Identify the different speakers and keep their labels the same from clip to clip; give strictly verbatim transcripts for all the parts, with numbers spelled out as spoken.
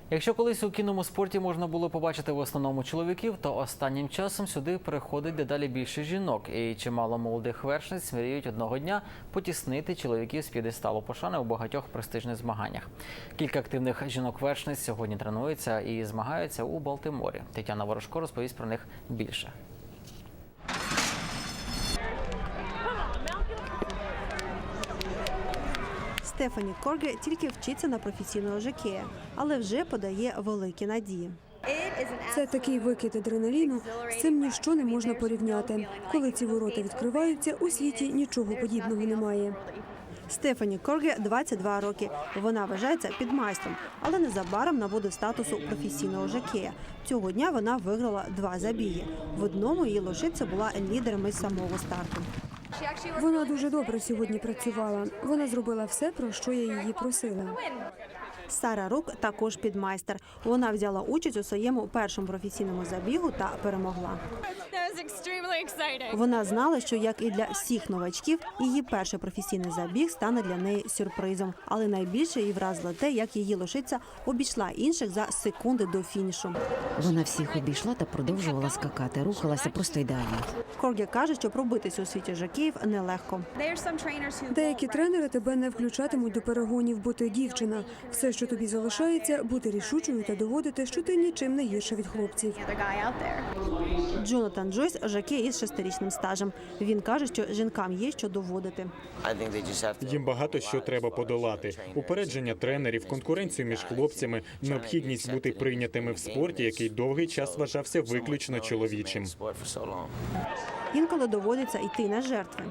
Speaker 1: Якщо колись у кінному спорті можна було побачити в основному чоловіків, то останнім часом сюди переходить дедалі більше жінок. І чимало молодих вершниць мріють одного дня потіснити чоловіків з п'єдесталу пошани у багатьох престижних змаганнях. Кілька активних жінок-вершниць сьогодні тренуються і змагаються у Балтиморі. Тетяна Ворожко розповість про них більше.
Speaker 2: Стефані Корге тільки вчиться на професійного жокея, але вже подає великі надії.
Speaker 3: Це такий викид адреналіну, з цим ніщо не можна порівняти. Коли ці ворота відкриваються, у світі нічого подібного немає.
Speaker 2: Стефані Корге двадцять два роки. Вона вважається підмайстром, але незабаром набуде статусу професійного жокея. Цього дня вона виграла два забіги. В одному її лошиця була лідером із самого старту.
Speaker 3: Вона дуже добре сьогодні працювала. Вона зробила все, про що я її просила.
Speaker 2: Сара Рук також підмайстер. Вона взяла участь у своєму першому професійному забігу та перемогла. Вона знала, що, як і для всіх новачків, її перший професійний забіг стане для неї сюрпризом. Але найбільше її вразило те, як її лошиця обійшла інших за секунди до фінішу.
Speaker 4: Вона всіх обійшла та продовжувала скакати, рухалася просто ідеально.
Speaker 2: Корге каже, що пробитися у світі жокеїв нелегко.
Speaker 3: Деякі тренери тебе не включатимуть до перегонів, бо ти дівчина. Все, що тобі залишається, бути рішучою та доводити, що ти нічим не гірша від хлопців.
Speaker 2: Джонатан Джойс – жокей із шестирічним стажем. Він каже, що жінкам є що доводити.
Speaker 5: Їм багато що треба подолати. Упередження тренерів, конкуренцію між хлопцями, необхідність бути прийнятими в спорті, який довгий час вважався виключно чоловічим.
Speaker 2: Інколи доводиться йти на жертви.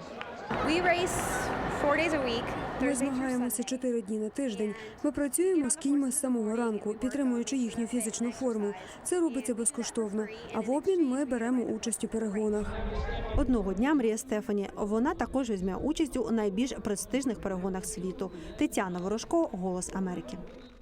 Speaker 3: Ми змагаємося чотири дні на тиждень. Ми працюємо з кіньми з самого ранку, підтримуючи їхню фізичну форму. Це робиться безкоштовно. А в обмін ми беремо участь у перегонах.
Speaker 2: Одного дня мріє Стефані. Вона також візьме участь у найбільш престижних перегонах світу. Тетяна Ворожко, «Голос Америки».